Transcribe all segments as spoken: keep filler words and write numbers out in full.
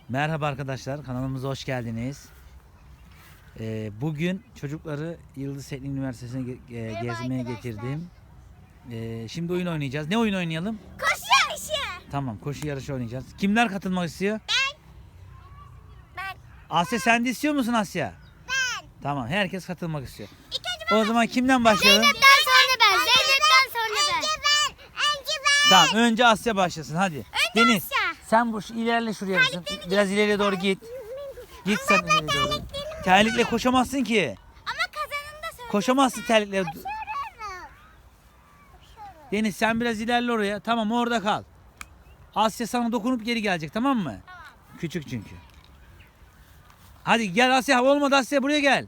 Merhaba arkadaşlar, kanalımıza hoş geldiniz. Ee, bugün çocukları Yıldız Teknik Üniversitesi'ne ge- ge- gezmeye getirdim. Ee, şimdi oyun oynayacağız. Ne oyun oynayalım? Koşu yarışı. Tamam, koşu yarışı oynayacağız. Kimler katılmak istiyor? Ben. Ben. Asya, sen de istiyor musun Asya? Ben. Tamam, herkes katılmak istiyor. İlk önce O zaman kimden başlayalım? Zeynep'ten sonra ben. Zeynep'ten sonra ben. Önce ben. Önce ben. Tamam, önce Asya başlasın hadi. Deniz, Asya. sen bu ilerle şuraya kızım. Biraz ileriye doğru git. Git sen ileriye doğru. Terlikle koşamazsın ki. Ama kazanını da söyle. Koşamazsın terlikle. Koşuyorum. Deniz, sen biraz ilerle oraya. Tamam, orada kal. Asya sana dokunup geri gelecek, tamam mı? Tamam. Küçük çünkü. Hadi gel Asya. Olmadı Asya, buraya gel.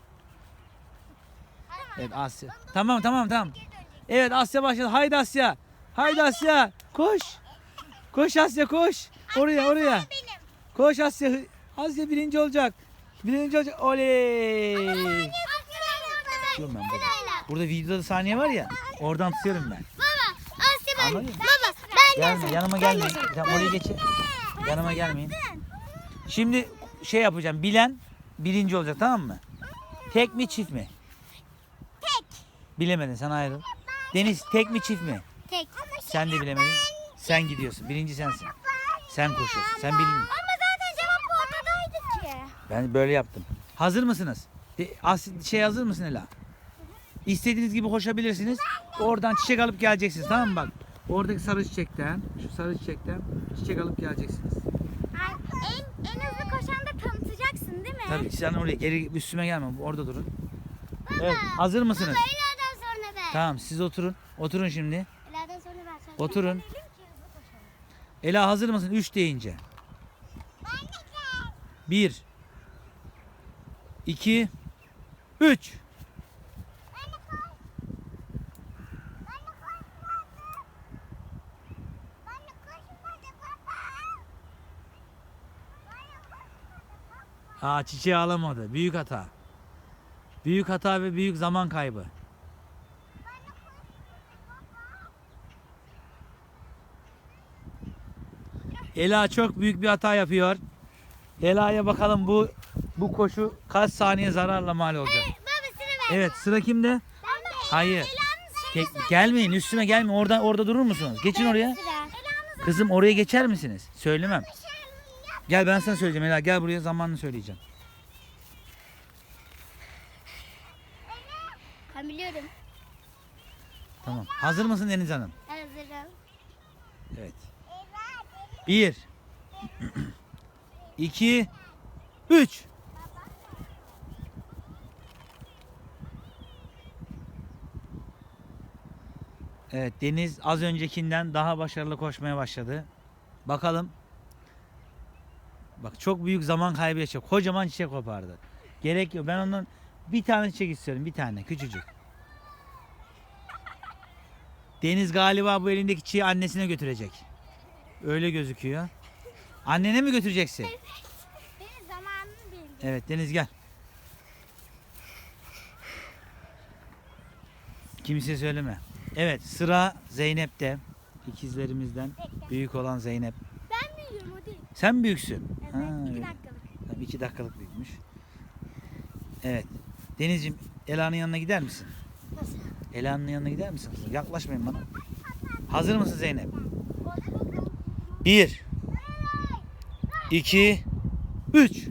Evet Asya. Tamam tamam tamam. Evet Asya başladı. Haydi Asya. Haydi Asya. Koş. Koş Asya, koş. Oraya oraya. Benim. Koş Asya. Asya birinci olacak. Birinci olacak. Oley. Tutuyorum ben burada. Burada videoda saniye var ya. Oradan tutuyorum ben. Baba. Asya ben. Anladın mı? Baba. Ben Gelme, yanıma gelmeyin. Sen oraya geçin. Yanıma gelmeyin. Şimdi şey yapacağım. Bilen birinci olacak, tamam mı? Tek mi çift mi? Tek. Bilemedin, sen ayrıl. Deniz, tek mi çift mi? Tek. Sen de bilemedin. Sen gidiyorsun. Birinci sensin. Sen koşuyorsun. Sen bildin. Ama zaten cevap bu ortadaydı ki. Ben böyle yaptım. Hazır mısınız? De, as, şey hazır mısın Ela? İstediğiniz gibi koşabilirsiniz. Oradan çiçek alıp geleceksiniz, tamam mı bak? Oradaki sarı çiçekten, şu sarı çiçekten çiçek alıp geleceksiniz. En, en hızlı koşan da tanıtacaksın değil mi? Tabii sen oraya geri üstüme gelme. Orada durun. Evet, hazır mısınız? Baba Ela'dan sonra ben. Tamam, siz oturun. Oturun şimdi. Ela'dan sonra ben. Sen Oturun. söyleyelim ki hızlı koşalım. Ela, hazır mısın? Üç deyince. Bir. İki. Üç. Aa, çiçeği alamadı. Büyük hata. Büyük hata ve büyük zaman kaybı. Ela çok büyük bir hata yapıyor. Ela'ya bakalım bu bu koşu kaç saniye zararla mal olacak. Baba sıra ben. Evet, sıra kimde? Ben de. Hayır. Ela'nın Tek, gelmeyin üstüme, gelmeyin. Orada orada durur musunuz? Geçin oraya. sıra. Ela'nın Kızım, oraya geçer misiniz? Söylemem. Gel, ben sana söyleyeceğim Ela. Gel buraya, zamanını söyleyeceğim. Ben biliyorum. Tamam. Hazır mısın Deniz Hanım? Hazırım. Evet. Bir. İki. Üç. Evet, Deniz az öncekinden daha başarılı koşmaya başladı. Bakalım. Bak, çok büyük zaman kaybı yaşıyor. Kocaman çiçek kopardı. Gerek yok. Ben ondan bir tane çiçek istiyorum. Bir tane. Küçücük. Deniz galiba bu elindeki çiçeği annesine götürecek. Öyle gözüküyor. Annene mi götüreceksin? Benim zamanını bildim. Evet Deniz, gel. Kimseye söyleme. Evet, sıra Zeynep'te. İkizlerimizden büyük olan Zeynep. Ben biliyorum o değil. Sen büyüksün. Evet. Ha, iki öyle. dakikalık. Tabii iki dakikalık büyükmüş. Evet. Denizciğim, Ela'nın yanına gider misin? Nasıl? Ela'nın yanına gider misin? Yaklaşmayın bana. Hazır mısın Zeynep? Bir. İki. Üç.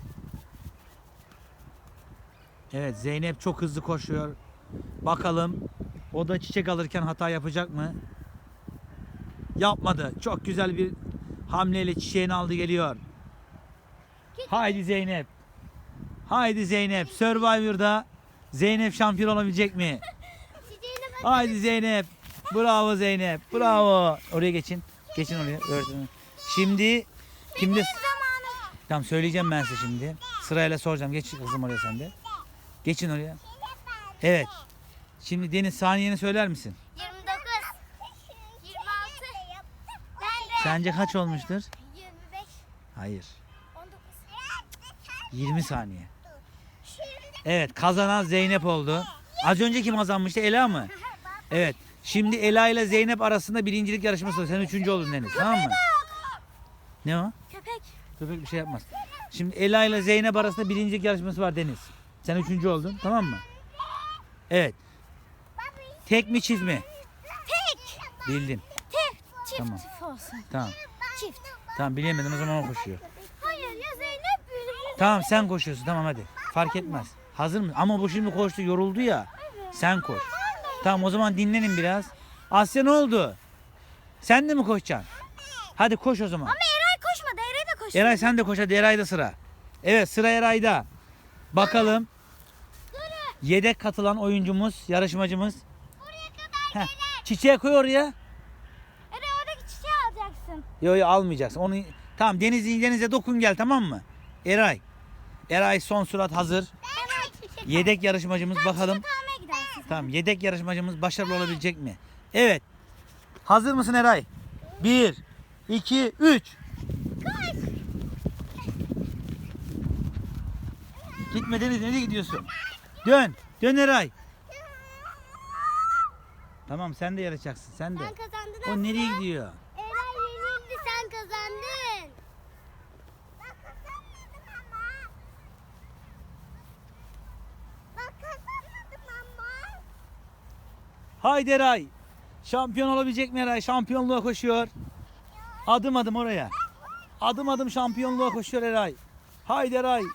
Evet, Zeynep çok hızlı koşuyor. Bakalım o da çiçek alırken hata yapacak mı? Yapmadı. Çok güzel bir hamleyle çiçeğini aldı, geliyor. Haydi Zeynep. Haydi Zeynep. Survivor'da Zeynep şampiyon olabilecek mi? Çiçeğine bak. Haydi Zeynep. Bravo Zeynep. Bravo. Oraya geçin. Geçin oraya. Öğretmenim. Şimdi kimde? Zamanı. Tamam, söyleyeceğim ben size şimdi. Sırayla soracağım. Geç kızım oraya sen de. Geçin oraya. Evet. Şimdi Deniz, saniyeni söyler misin? yirmi dokuz. yirmi altı. Ben de. Sence kaç olmuştur? yirmi beş. Hayır. on dokuz. yirmi saniye. Evet, kazanan Zeynep oldu. Az önce kim kazanmıştı? Ela mı? Evet. Şimdi Ela ile Zeynep arasında birincilik yarışması var. Sen üçüncü oldun Deniz. Tamam mı? Ne o? Köpek. Köpek bir şey yapmaz. Şimdi Ela ile Zeynep arasında birincilik yarışması var Deniz. Sen üçüncü oldun, tamam mı? Evet. Tek mi çift mi? Tek. Bildin. Tek. Çift Tamam. olsun. Tamam. Çift. Tamam bilemedin, o zaman o koşuyor. Hayır ya Zeynep büyüdü. Tamam sen koşuyorsun, tamam hadi. Fark etmez. Hazır mısın? Ama bu şimdi koştu, yoruldu ya. Sen koş. Tamam o zaman dinlenin biraz. Asya ne oldu? Sen de mi koşacaksın? Hadi koş o zaman. Ama Eray koşmadı. Eray da koştu. Eray sen de koş hadi, Eray'da sıra. Evet sıra Eray'da. Bakalım. Yedek katılan oyuncumuz, yarışmacımız. Buraya kadar Heh, çiçeği koy oraya. Eray oradaki çiçeği alacaksın. Yok yok almayacaksın. Onu tamam Deniz'e denize dokun gel, tamam mı? Eray. Eray son surat hazır. Eray çiçek. Yedek yarışmacımız bakalım. Çiçek almaya gidersin. Tamam yedek yarışmacımız başarılı olabilecek mi? Evet. Hazır mısın Eray? Bir, iki, üç. Gitme Deniz, nereye gidiyorsun? Dön. Dön Eray. Tamam sen de yarışacaksın, sen de. Sen kazandın O Asya. nereye gidiyor? Eray yenildi, sen kazandın. Ben kazanmadım ama. Ben kazanmadım ama. Haydi Eray. Şampiyon olabilecek mi Eray? Şampiyonluğa koşuyor. Adım adım oraya. Adım adım şampiyonluğa koşuyor Eray. Haydi Eray.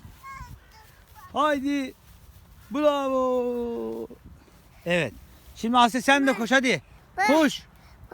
Haydi. Bravo. Evet. Şimdi Asya sen de koş hadi. Koş.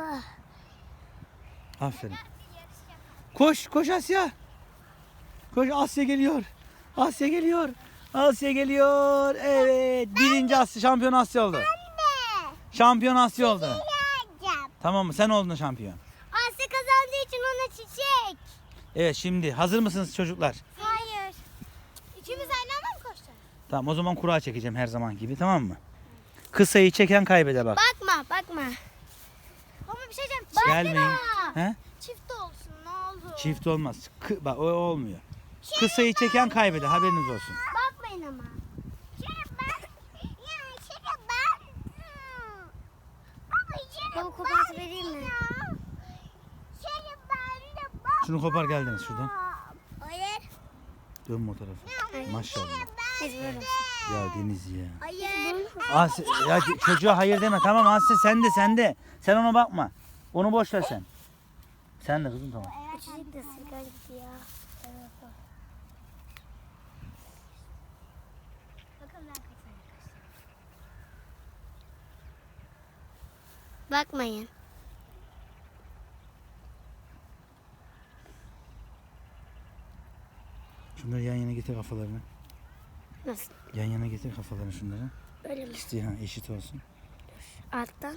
Aferin. Koş, koş Asya. Koş, Asya geliyor. Asya geliyor. Asya geliyor. Evet. Birinci Asya, şampiyon Asya oldu. Şampiyon Asya oldu. Alacağım. Tamam mı? Sen oldun şampiyon. Asya kazandığı için ona çiçek. Evet şimdi hazır mısınız çocuklar? Hayır. İkimiz aynı anda mı koşacağız? Tamam o zaman kura çekeceğim her zaman gibi, tamam mı? Kısayı çeken kaybeder bak. Bakma, bakma. Ama bir şey diyeceğim. Gelmeyin. Bakma. He? Çift olsun ne olur. Çift olmaz. Kı- bak o olmuyor. Kısayı çeken kaybeder, haberiniz olsun. Bakmayın ama. Baba kopartı vereyim mi? Şunu kopar geldiniz şuradan. Hayır. Dön bu tarafa. Maşallah. Biz böyle. Ya Deniz ya. Hayır. Asya, ya çocuğa hayır deme, tamam Asya sen de sen de. Sen ona bakma. Onu boş ver sen. Sen de kızım tamam. Çocuk da sigara gidiyor. Bakın ben kaçayım. Bakmayın. Şunları yan yana getir kafalarını. Nasıl? Yan yana getir kafalarını şunları. Öyle mi? İşte ha, eşit olsun. Alttan.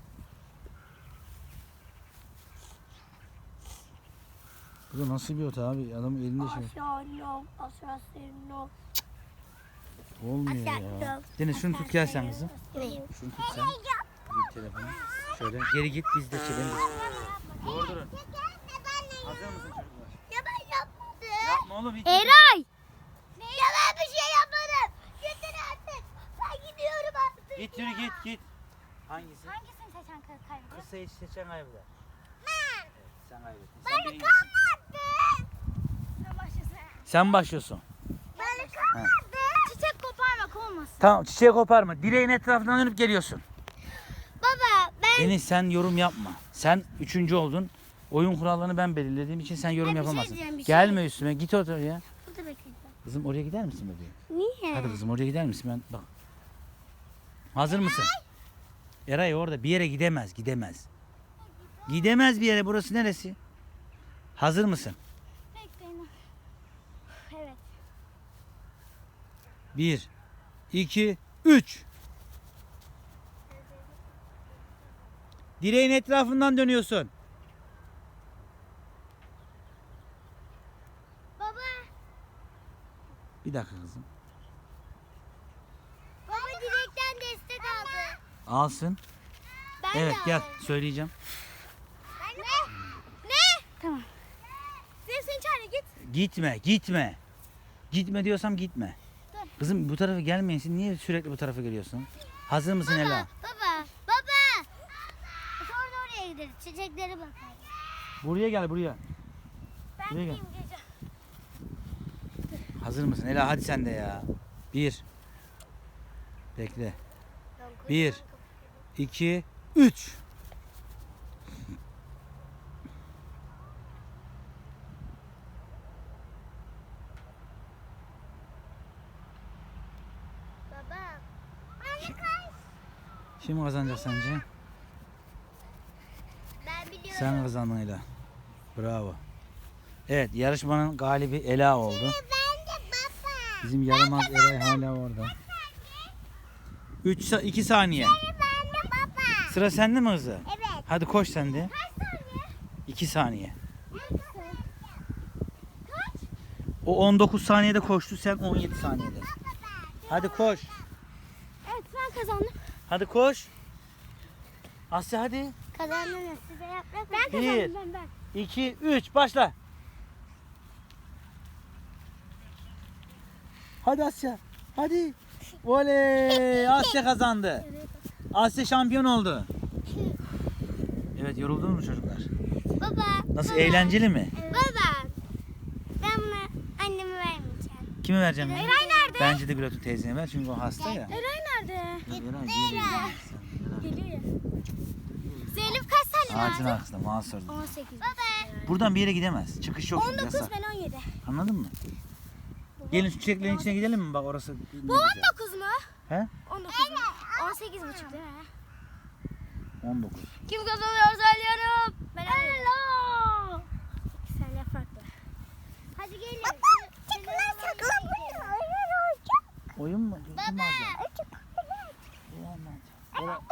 Bu da nasıl bir ota abi? Adamın elinde şey. Aşağı yok. Aşağı yok. Olmuyor ya. Deniz şunu tut gel sen kızım. Şunu tut sen. Bir telefonu. Şöyle geri git biz de çekelim. Doğru durun. Hazır mısın çocuklar? Ya ben yapmadım. Yapma oğlum hiç. Eray. Ya ben bir şey yapmadım. Yeter artık. Ben gidiyorum artık. Git yürü git git. Hangisi? Hangisini seçen kaybediyor? Kısayı seçen kaybeder. Ben. Evet, sen kaybettin. Ben Sen birincisin. kalmadım. Sen başlasın. Sen başlıyorsun. Ben kalmadım. Çiçek koparmak olmasın. Tamam çiçeği koparma. Direğin etrafından dönüp geliyorsun. Baba ben. Deniz sen yorum yapma. Sen üçüncü oldun. Oyun kurallarını ben belirlediğim için sen yorum Ay, bir şey yapamazsın. diyeceğim, bir şey. Gelme üstüme git oraya. Burada bekleyeceğim. Kızım oraya gider misin bebeğim? Niye? Hadi kızım oraya gider misin? Ben bak. Hazır mısın? Eray orada bir yere gidemez, gidemez. Gidemez bir yere. Burası neresi? Hazır mısın? Bekleyin. Evet. Bir, iki, üç. Direğin etrafından dönüyorsun. Baba. Bir dakika kızım. Baba direkten destek aldı. Alsın. Ben Evet de gel aldım. söyleyeceğim. Ne? Ne? Tamam. Zeynep sen çağır git. Gitme, gitme. Gitme diyorsam gitme. Dur. Kızım bu tarafa gelmeyin. Siz niye sürekli bu tarafa geliyorsun? Hazır mısın Ela? Baba. Baba. Sonra oraya gideriz. Çiçeklere bakarız. Buraya gel buraya. Ben Buraya gel. gideyim gece. Hazır mısın? Ela hadi sen de ya. Bir. Bekle. Bir. iki, üç. Baba. Anne kaç. Kim kazanacak sence? Ben biliyorum. Sen kazandın Ela. Bravo. Evet, yarışmanın galibi Ela oldu. Ben de baba. Bizim yaramaz Eray hala orada. üç iki saniye. Ben de baba. Sıra sende mi hızlı? Evet. Hadi koş sen de. Kaç saniye? iki saniye. Kaç? O on dokuz saniyede koştu, sen on yedi saniyede. Hadi koş. Evet ben kazandım. Hadi koş. Asya hadi. Kazandınız. Size yaprak Ben Bir. kazandım ben ben. iki, üç başla. Hadi Asya. Hadi. Oley! Asya kazandı. Asya şampiyon oldu. Evet, yoruldunuz mu çocuklar? Baba. Nasıl, baba. eğlenceli mi? Baba. Ben bunu anneme vermeyeceğim. Kime vereceğim? Eray nerede? Bence de Gülat'ın teyzeye ver çünkü o hasta ya. Eray nerede? Dur, Eray geliyor. Geliyor ya. Zeynep kaç saniye Ağacın vardı? arkasında mahsur. on sekiz. Baba. Buradan bir yere gidemez. Çıkış yok. on dokuz yasak. ben on yedi. Anladın mı? Gelin şu çiçeklerin içine gidelim mi? Bak orası. Bu on dokuz mu? He? on dokuz mu? on sekiz buçuk değil mi? on dokuz. Kim kazanıyor söylüyorum. Ben Hello. Sen yaprakla. Hadi gelin. Baba çıkma saklan burada. Oyun olacak. Oyun mu? Kim Baba. alacak? İyi anladım. Ora-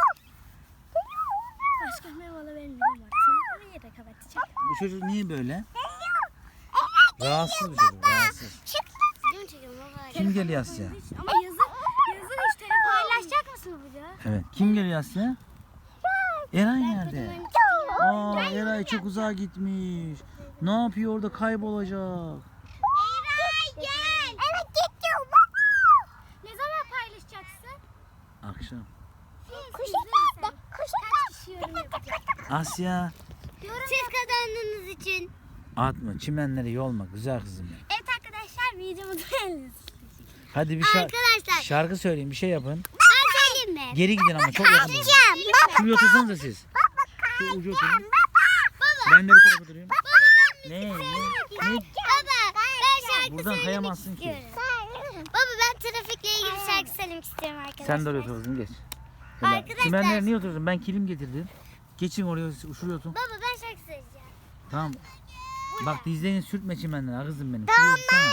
Başka meyveli vermeyeceğim artık. Seni onu yere kapatacak. Bu çocuk niye böyle? Rahatsız bir çocuk, rahatsız. Video çekiyorum baba. Kim geliyor Asya? Ama yazın, yazın hiç telefon paylaşacak mısın bu video? Evet. Kim geliyor Asya? Eray nerede? Aa, Eray çok uzağa gitmiş. Ne yapıyor orada, kaybolacak. Eray gel. Evet gidiyorum baba. Ne zaman paylaşacaksın? Akşam. Kuşu nerede? Kuşu kaç kişi yorum yapacak? Asya. Siz kazandığınız için. Atma, çimenlere yolma güzel kızım benim. Evet arkadaşlar videomu beğendiniz. Hadi bir şarkı, Arkadaşlar şarkı söyleyin, bir şey yapın. ben söyleyeyim mi? Geri gidin ama çok yakın. olun. Baba. Şuraya otursanıza siz. Şu ucu oturun. Ben de bu tarafa durayım. Baba ben Ne? Ne? Baba Ne? ben şarkı Buradan söylemek kayamazsın ki. istiyorum. Baba ben trafikle ilgili şarkı söylemek istiyorum arkadaşlar. Sen de oraya oturursun, geç. Böyle. Arkadaşlar- Çimenlere niye oturuyorsun? Ben kilim getirdim. Geçin oraya, şuraya oturun. Baba ben şarkı söyleyeceğim. Tamam. Bak dizlerini sürtme çimenlere kızım benim. Şuraya otursana.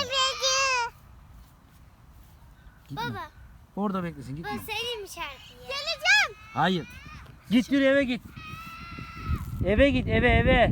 Gitme. Baba Orada beklesin, gitme. ben söyleyeyim mi şarkıyı? Geleceğim. Hayır. Git yürü, eve git. Eve git, eve eve.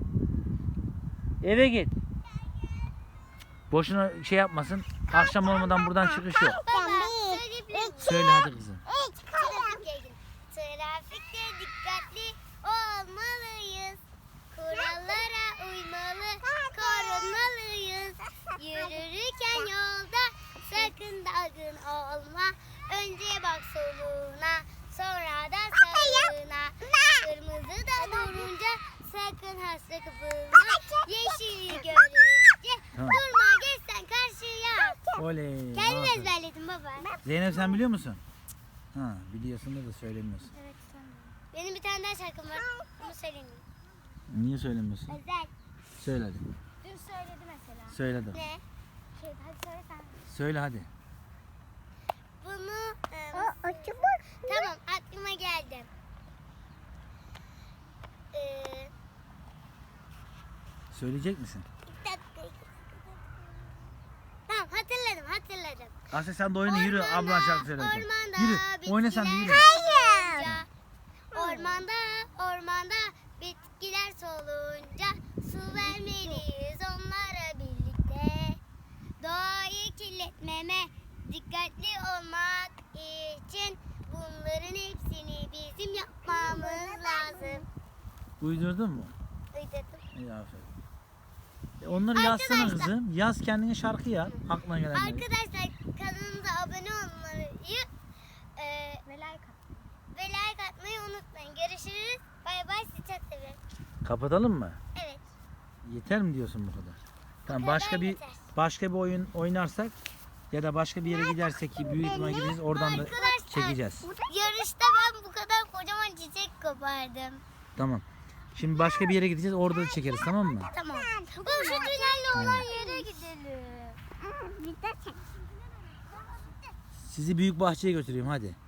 Eve git. Boşuna şey yapmasın. Akşam olmadan buradan çıkış yok. Baba söyleyebilir miyim? Söyle hadi kızım. Trafikle ilgili. Trafikte dikkatli olmalıyız. Kurallara uymalı, korunmalıyız. Yürürken yolda sakın dalgın olma. Önce bak soluna, sonra da sağına. Kırmızı da durunca sakın hasta kapılma. Yeşili görünce Tamam. durma geç sen karşıya. Oley. Kendin aferin. ezberledin baba. Zeynep sen biliyor musun? Ha, biliyorsun da, da söylemiyorsun. Evet tamam. Benim bir tane daha şarkım var. Onu söyleyeyim. Niye söylemiyorsun? Özel. Söyle hadi. Dün söyledi mesela. Söyle hadi. Ne? Şey, hadi söyle sen. Söyle hadi. Bunu e, tamam aklıma geldi. Ee, Söyleyecek misin? bir dakika. Tamam hatırladım hatırladım. Asya sen de oyna, yürü, Ormanda, ablan şarkı söyleyecek. ormanda Yürü. Oyna sen de, yürü. bitkiler solunca, Ormanda ormanda bitkiler solunca su vermeliyiz onlara birlikte. Doğayı kirletmeme dikkatli olmak için bunların hepsini bizim yapmamız lazım. Uydurdun mu? Uydurdum. İyi, aferin. E onları yazsana Arkadaşlar- kızım. Yaz kendine şarkı ya. Aklına gelenleri. Arkadaşlar kanalımıza abone olmayı e, ve like atmayı. Ve like atmayı unutmayın. Görüşürüz. Bay bay. Sizi çok seviyorum. Kapatalım mı? Evet. Yeter mi diyorsun bu kadar? Tamam, başka bir başka bir oyun oynarsak ya da başka bir yere gidersek ki büyük ihtimalle gideceğiz, oradan da Arkadaşlar, çekeceğiz. Yarışta ben bu kadar kocaman çiçek kopardım. Tamam. Şimdi başka bir yere gideceğiz, orada da çekeriz, tamam mı? Tamam. Bu şu tünelle olan yere gidelim. Sizi büyük bahçeye götüreyim hadi.